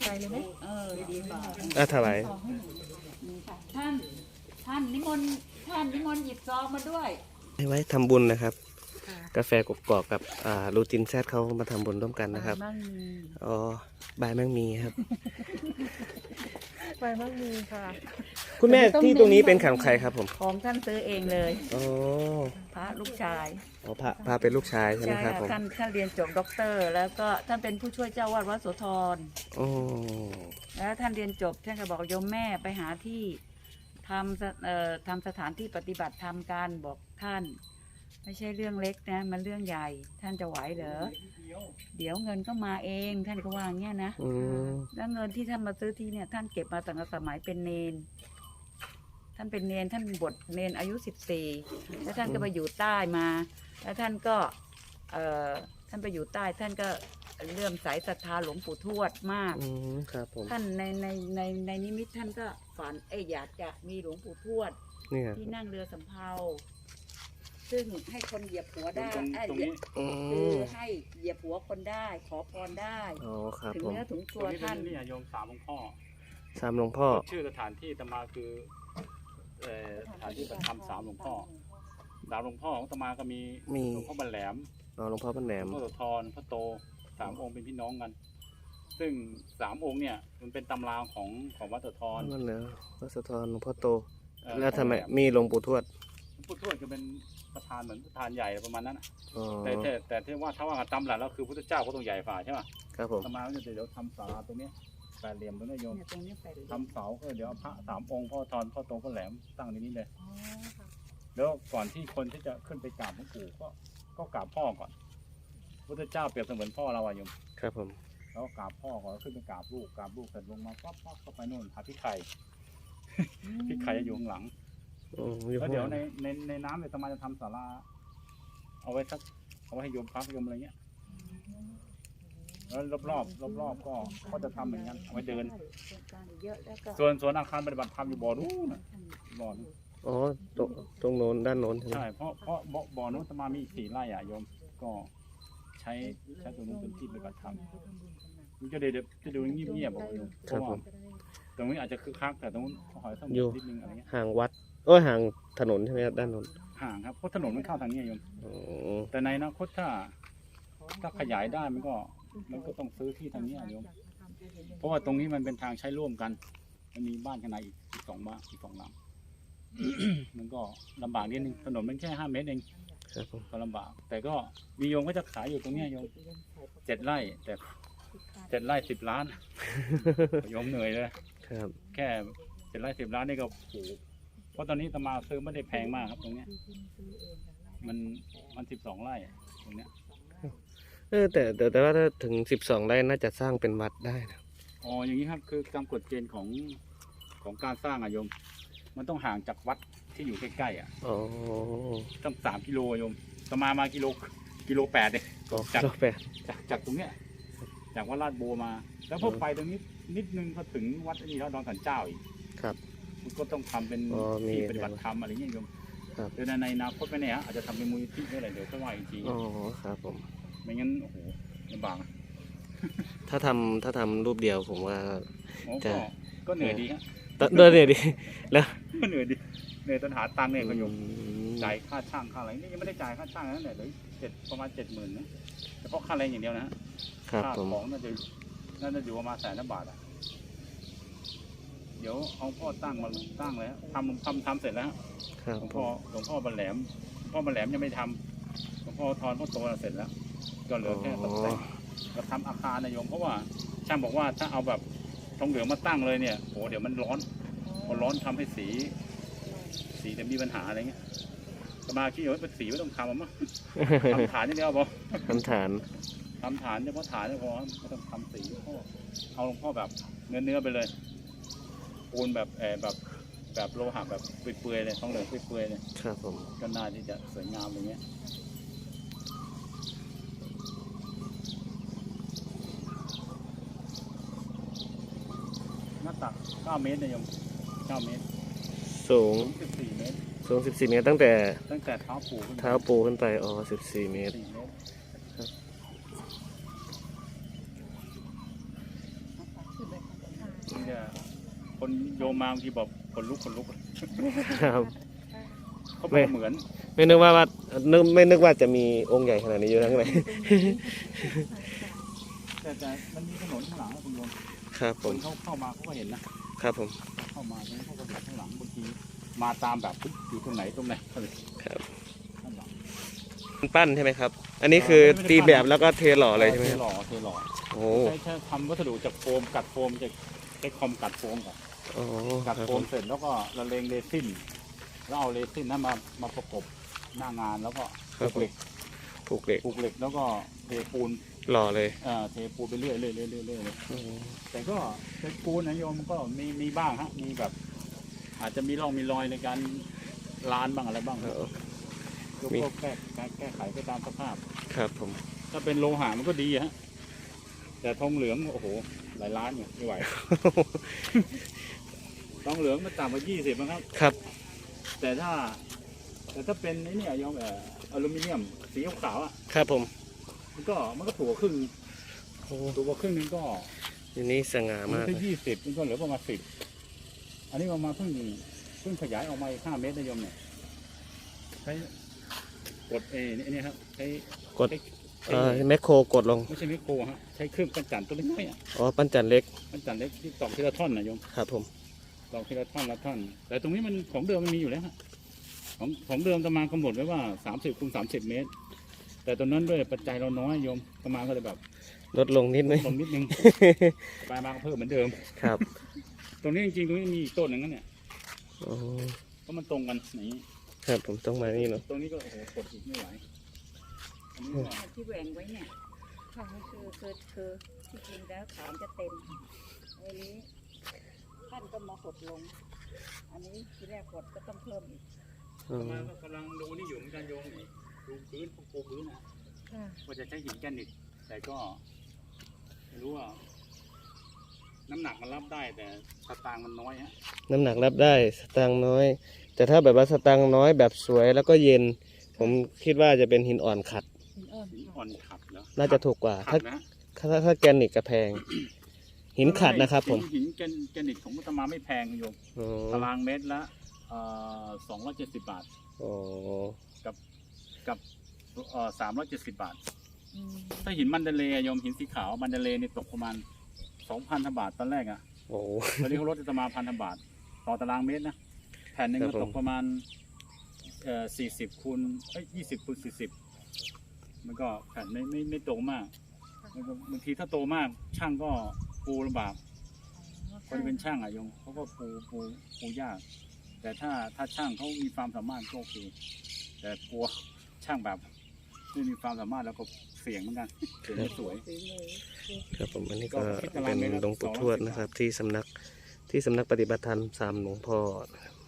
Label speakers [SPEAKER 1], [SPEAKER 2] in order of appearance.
[SPEAKER 1] ส่เลยไหม
[SPEAKER 2] ดีกว่า
[SPEAKER 3] ถวาย
[SPEAKER 2] ท่านนิมนต์หยิบซองมาด้วย
[SPEAKER 3] ไว้ทำบุญนะครับ กาแฟกกอกกับรูจินแซดเขามาทำบุญร่วมกันนะครับอ๋อบายมั่งมีครับ
[SPEAKER 1] ไปมั่งมีค่ะ
[SPEAKER 3] คุณแม่ที่ตรงนี้เป็นของใครครับผม
[SPEAKER 2] ของท่านซื้อเองเลย
[SPEAKER 3] อ๋อ
[SPEAKER 2] พระลูกชาย
[SPEAKER 3] อ๋อพระเป็นลูกชายใช่ไหมครับผม
[SPEAKER 2] ท่านเรียนจบด็อกเตอร์ แล้วก็ท่านเป็นผู้ช่วยเจ้าวาดวัดโสธร
[SPEAKER 3] อ๋อ
[SPEAKER 2] แล้วท่านเรียนจบท่านก็บอกโยมแม่ไปหาที่ทำสถานที่ปฏิบัติธรรมกันบอกท่านไม่ใช่เรื่องเล็กนะมันเรื่องใหญ่ท่านจะไหวเหรอเดี๋ยวเงินก็มาเองท่านก็ว่าอย่างเงี้ยนะแล้วเงินที่ท่านมาซื้อที่เนี่ยท่านเก็บมาตั้งแต่สมัยเป็นเนนท่านเป็นเนนท่านบวชเนนอายุ14แล้วท่านก็ไปอยู่ใต้มาแล้วท่านก็ท่านไปอยู่ใต้ท่านก็เลื่อมใสศรัทธาหลวงปู่ทวดมาก
[SPEAKER 3] ครับผม
[SPEAKER 2] ท่านในนิมิตท่านก็ฝันอยากจะมีหลวงปู่ทวดที่นั่งเรือสำเภาซึ่งให้คนเหยียบหัวได้คือให้เหยียบหัวคนได้ขอพรได้ถึงเนื้อถึงตัวท่าน
[SPEAKER 4] นี่โยม3 หลวงพ่อ
[SPEAKER 3] 3 หลวงพ่อ
[SPEAKER 4] ชื่อสถานที่ตมาคือสถานที่ประทับ3 หลวงพ่อ3 หลวงพ่อของตมาก็มีหลวงพ่อบันแหลม
[SPEAKER 3] หลวงพ่อบันแหลม
[SPEAKER 4] หลวงพ่อโสธรพ่อโต3 องค์เป็นพี่น้องกันซึ่ง3 องค์เนี่ยมันเป็นตำราของวัดโสธร
[SPEAKER 3] นั่นเหรอวัดโสธรหลวงพ่อโตแล้วทำไมมีหลวงปู่ทวด
[SPEAKER 4] ปู่ทวดก็เป็นประธานเหมือนประธานใหญ่ประมาณนั้นแต่ที่ว่าถ้าว่าตำหลักแล้วคือพุทธเจ้าก็ต้องใหญ่ฝ่าใช่ไหม
[SPEAKER 3] ครับผม
[SPEAKER 4] ตมาเดี๋ยวทำศาลาตรงนี้แปดเหลี่ยมตรงนี้โยมทำเสาก็เดี๋ยวพระ3 องค์พ่อทอนพ่อโตพ่อแหลมตั้งในนี้เลยแล้วก่อนที่คนที่จะขึ้นไปกราบหลวงปู่ก็กราบพ่อก่อนพุทธเจ้าเปรียบเสมือนพ่อเราอะโยม
[SPEAKER 3] ครับผม
[SPEAKER 4] แล้วกราบพ่อก่อนขึ้นไปกราบลูกเสร็จลงมาปั๊บเข้าไปโน่นหาพี่ไข่พี่ไข่จะอยู่ข้างหลังแล้วเดี๋ยวในน้ำเนี่ยตมาจะทำศาลาเอาไว้ให้โยมพักโยมอะไรเงี้ยแล้วรอบก็จะทำเหมือนกันเอาไว้เดินส่วนอาคารปฏิบัติธรรมอยู่บ่อนู้นบ่อนู้น
[SPEAKER 3] อ๋อตรงโน้นด้านโน้น
[SPEAKER 4] ใช่เพราะบ่อนู้นตมามี4 ไร่โยมก็ใช้ตรงนู้นเป็นที่ปฏิบัติธรรมมันจะดูเงียบๆบอกโยมเพราะว่าตรงนี้อาจจะคึกคักแต่ตรงนู้นขอให้ต้องนิดนึงอะไรเงี้ย
[SPEAKER 3] ห่างวัดห่างถนนใช่ไหมครับด้านโน้น
[SPEAKER 4] ห่างครับเพราะถนนมันเข้าทางนี้โยมแต่ในอนาคตถ้าขยายได้มันก็ต้องซื้อที่ทางนี้โยมเพราะว่าตรงนี้มันเป็นทางใช้ร่วมกันมันมีบ้านข้างในอีก2 บ้านอีก2 หลัง มันก็ลำบากนิดนึงถนนมันแค่5 เมตรเองก็ลำบากแต่ก็มีโยมก็จะขายอยู่ตรงนี้โยม7 ไร่แต่7 ไร่10 ล้านโยมเหนื่อยเลยแค่7 ไร่ 10 ล้านนี่ก็โหเพราะตอนนี้ตมาซื้อไม่ได้แพงมากครับตรงนี้มัน12 ไร่ตรงเนี้ย
[SPEAKER 3] แต่ว่าถ้าถึง12 ไร่น่าจะสร้างเป็นวัดได้นะ
[SPEAKER 4] อ๋ออย่างนี้ครับคือตามกฎเกณฑ์ของการสร้างโยมมันต้องห่างจากวัดที่อยู่ใกล้ๆต้อง3 กิโลโยมตมากิโล 8เลยจากตรงเนี้ยจากวัดลาดโบมาแล้วพอไปตรงนี้นิดนึงก็ถึงวัดนี้แล้วดอนสันเจ้าอีก
[SPEAKER 3] ครับ
[SPEAKER 4] มันก็ต้องทำเป็นที่ปฏิบัติธรรมอะไรเงี้ยโยมโดยในอนาคตไม่แน่อาจจะทำเป็นมูลนิธิอะไรเดี๋ยวก็ว่าอีกที
[SPEAKER 3] อ๋อครับผม
[SPEAKER 4] ไม่งั้นโอ้โหลำบาก
[SPEAKER 3] ถ้าทำรูปเดียวผมว่า
[SPEAKER 4] ก็เหนื่อยดีครับ
[SPEAKER 3] เหนื่อยดีแล้ว
[SPEAKER 4] ก็เหนื่อยตอนหาตังค์เนี่ยก็โยมจ่ายค่าช่างค่าอะไรนี่ยังไม่ได้จ่ายค่าช่างนั่นแหละเลยประมาณ70,000นะเฉพาะค่าแรงอย่างเดียวนะค่าของน่าจะอยู่ประมาณ100,000 บาทเดี๋ยวเอาพ่อตั้งแล้วทำเสร็จแล้วหลวงพ่อบันแหลมยังไม่ทำหลวงพ่อทอนพ่อโตเสร็จแล้วก็เหลือแค่ตกแต่งก็ทำอาคารโยมเพราะว่าช่างบอกว่าถ้าเอาแบบทองเหลืองมาตั้งเลยเนี่ยโหเดี๋ยวมันร้อนพอร้อนทำให้สีจะมีปัญหาอะไรเงี้ยสมาคิดว่าเป็นสีไม่ต้องทำมั้งทำฐานอย่างเดียวพอ
[SPEAKER 3] ทำฐาน
[SPEAKER 4] เฉพาะฐานพอไม่ต้องทำสีพ่อเอาหลวงพ่อแบบเนื้อไปเลยปูนแบบโลหะแบบเปื่อยๆเลยทองเหลืองเปื่อยๆเลย
[SPEAKER 3] ครับผม
[SPEAKER 4] ก็น่าที่จะสวยงามอย่างเงี้ยหน้าตัก9 เมตรโยม9 เมตร
[SPEAKER 3] สูง
[SPEAKER 4] 14 เมตร
[SPEAKER 3] 14 เมตรตั้งแต่
[SPEAKER 4] เท้า
[SPEAKER 3] ปูขึ้นไป14 เมตร
[SPEAKER 4] เนี่ยคนโยมมาบางทีบอกขนลุก
[SPEAKER 3] ครับ
[SPEAKER 4] เขาบอกว่าเหมือน
[SPEAKER 3] ไม่นึกว่าจะมีองค์ใหญ่ขนาดนี้อยู่ทั้งไหน
[SPEAKER 4] แต่มันมีถนนข้างหลังนะคุณโยม
[SPEAKER 3] ครับผ
[SPEAKER 4] คน
[SPEAKER 3] ม
[SPEAKER 4] เข้ามาเขาก็เห็นนะครับ
[SPEAKER 3] ผม
[SPEAKER 4] เข้ามาแล้วเขาก็เห็นข้างหลังบางทีมาตามแบบอยู่ตรงไหนอะไร
[SPEAKER 3] ครับ
[SPEAKER 4] ข้างหลัง
[SPEAKER 3] ปั้นใช่ไหมครับ อันนี้คือตีแบบแล้วก็เทหล่อเลยใช่ไหม
[SPEAKER 4] เท
[SPEAKER 3] ครับ
[SPEAKER 4] หล่อเทหล่อ
[SPEAKER 3] โอ้
[SPEAKER 4] ใช้ทำวัสดุจากโฟมกัดโฟมจะใช้คอมกัดโฟมก่อน
[SPEAKER 3] โอ้
[SPEAKER 4] กัด
[SPEAKER 3] ครับ
[SPEAKER 4] โฟ
[SPEAKER 3] ผม ม
[SPEAKER 4] เสร็จแล้วก็ละเลงเรซินแล้วเอาเรซินนั้นมาประกบหน้างานแล้วก็ผูกเหล็ก
[SPEAKER 3] ผูกเหล็ก
[SPEAKER 4] ผูกเหล็กแล้วก็เทปูน
[SPEAKER 3] หล่อเลย
[SPEAKER 4] เทปูนไปเรื่อยเลย
[SPEAKER 3] โอ้
[SPEAKER 4] แต่ก็เทปูนนะโยมก็มีบ้างฮะมีแบบ อาจจะมีร่องมีรอยในการลานบ้างอะไรบ้าง
[SPEAKER 3] เออ
[SPEAKER 4] ก็แก้ไขไปตามสภาพ
[SPEAKER 3] ครับผม
[SPEAKER 4] ถ้าเป็นโลหะมันก็ดีฮะแต่ทองเหลืองโอ้โหหลายล้านเนี่ยไม่ไหว ทองเหลืองมันต่ำกว่า20นะครับ
[SPEAKER 3] ครับ
[SPEAKER 4] แต่ถ้าเป็นไอ้เนี่ยโยมอลูมิเนียมสีขาวๆอ่ะ
[SPEAKER 3] ครับผม
[SPEAKER 4] มันก็ถูกกว่าครึ่ง
[SPEAKER 3] โอ้
[SPEAKER 4] ถูกกว่าครึ่งนึงก็
[SPEAKER 3] อันนี้สง่า
[SPEAKER 4] มัน
[SPEAKER 3] มาก
[SPEAKER 4] แค่
[SPEAKER 3] เลย
[SPEAKER 4] 20มันก็เหลือประมาณ10อันนี้ประมาณเพิ่งขยายออกมาอีก5 เมตรนะโยมเนี่ยใช้กดนี่ครับใช้
[SPEAKER 3] กดแมคโครกดลง
[SPEAKER 4] ไม่ใช่ไมโครฮะใช้เครื่องปั้นจันทร์ตัวเล็กๆอ่ะ
[SPEAKER 3] อ๋อ ปั้นจันเล็ก
[SPEAKER 4] ปั้นจันทร์เล็กที่ตอกทีละท่อนนะโยม
[SPEAKER 3] ครับผม
[SPEAKER 4] ตอกทีละท่อนละท่อน แต่ตรงนี้มันของเดิมมันมีอยู่แล้วฮะของเดิมตะมากำหนดไว้ว่า30 คูณ 30 เมตร แต่ตอนนั้นด้วยปัจจัยเราน้อยโยมตะมาก็เลยแบบ
[SPEAKER 3] ลดลงนิดนึง
[SPEAKER 4] ลงนิดนึง ปลายมาก็เพิ่มเหมือนเดิม
[SPEAKER 3] ครับ
[SPEAKER 4] ตรงนี้จริงๆตรงนี้มีอีกต้นหนึ่งนั่นเนี่ย
[SPEAKER 3] อ๋อ
[SPEAKER 4] เพราะมันตรงกันอย่างนี้
[SPEAKER 3] ครับผมต้องมานี่เนาะ
[SPEAKER 4] ตรงนี้ก็โอ้โหกดอีกไม่ไหวอันนี้ก็
[SPEAKER 2] ที่แหว่งไว้เนี่ยค่ะคือที่จริงแล้วฐานจะเต็มอันนี้ท่านก็มาหดลง อันนี้ที่แรกหดก็ต้องเพิ่มอีก
[SPEAKER 3] อ๋อ
[SPEAKER 4] มาก็กำลังดูนี่อยู่เหมือนกันโยมนี่ดูพื้นปูพื้นนะว่าจะใช้หินแกรนิตแต่ก็ไม่รู้ว่า น้ำหนักมันรับได้แต่สตางค์มันน้อยฮะ
[SPEAKER 3] น้ำหนักรับได้สตางค์น้อย แต่ถ้าแบบว่าสตางค์น้อยแบบสวยแล้วก็เย็น ผมคิดว่าจะเป็นหินอ่อนขัด
[SPEAKER 2] หินอ่อน
[SPEAKER 4] หินอ่อนขัดแล้ว
[SPEAKER 3] น่าจะถูกกว่า
[SPEAKER 4] ขั
[SPEAKER 3] ถ้า
[SPEAKER 4] ดนะ
[SPEAKER 3] ถ้าแกรนิตกระแพง หินขัดนะครับผม
[SPEAKER 4] หินแกรนิตของมุตมาไม่แพงโยม
[SPEAKER 3] อ๋อ
[SPEAKER 4] ตารางเมตรละ270 บาท
[SPEAKER 3] อ๋อ
[SPEAKER 4] กับ370 บาท ถ้าหินมันเดเลย์โยมหินสีขาวมันเดเลย์นี่ตกประมาณ 2,000 บาทตอนแรกอ่ะ
[SPEAKER 3] โอ้
[SPEAKER 4] ตอนนี้เขาลดจะมา1,000 บาท ต่อตารางเมตรนะแผ่นหนึง
[SPEAKER 3] ครั
[SPEAKER 4] ก็
[SPEAKER 3] บผม
[SPEAKER 4] ตกประมาณ40 คูณ20 คูณ 40มันก็แผ่นไม่โตมากมันก็บางทีถ้าโตมากช่างก็ปูลำบากคนที่เป็นช่างอะโยมเขาก็ปูยาก แต่ถ้าช่างเขามีความสามารถก็โอเคแต่กลัวช่างแบบไม่มีความสามารถแล้วก็เสี่ยงเหมือนกันเสี่ยงไม่สวย
[SPEAKER 3] ครับผมอันนี้
[SPEAKER 4] ก็
[SPEAKER 3] ก็
[SPEAKER 4] คิดตาราง
[SPEAKER 3] เป็น
[SPEAKER 4] เมตรละ
[SPEAKER 3] หลวงปู่ทวด
[SPEAKER 4] 210
[SPEAKER 3] นะครับ ที่สำนักปฏิบัติธรรมสามหลวงพ่อนะครับ